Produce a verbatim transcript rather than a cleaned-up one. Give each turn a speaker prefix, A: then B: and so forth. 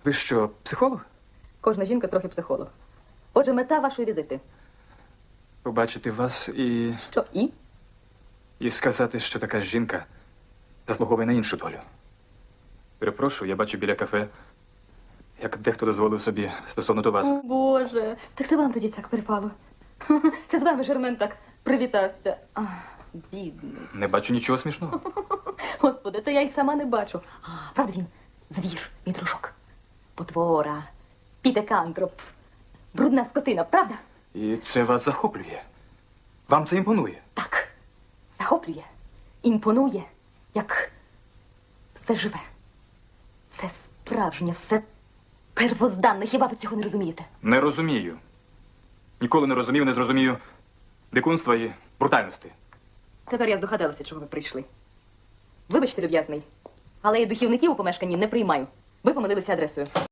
A: Ви що, психолог?
B: Кожна жінка трохи психолог. Отже, мета вашої візити.
A: Побачити вас і...
B: Що, і?
A: і сказати, що така жінка заслуговує на іншу долю. Перепрошую, я бачу біля кафе, як дехто дозволив собі стосовно до вас.
B: О, Боже, так це вам тоді так припало. Це з вами Жермен так привітався. Ах, бідний.
A: Не бачу нічого смішного.
B: Господи, та я й сама не бачу. А, правда він? Звір, мій дружок. Потвора, підекантроп, брудна скотина, правда?
A: І це вас захоплює. Вам це імпонує.
B: Так, захоплює, імпонує, як все живе. Все справжнє, все первозданне. Хіба ви цього не розумієте?
A: Не розумію. Ніколи не розумів, не зрозумію дикунства і брутальності.
B: Тепер я здогадалася, чого ви прийшли. Вибачте, люб'язний, але я духівників у помешканні не приймаю. Ви помилилися адресою.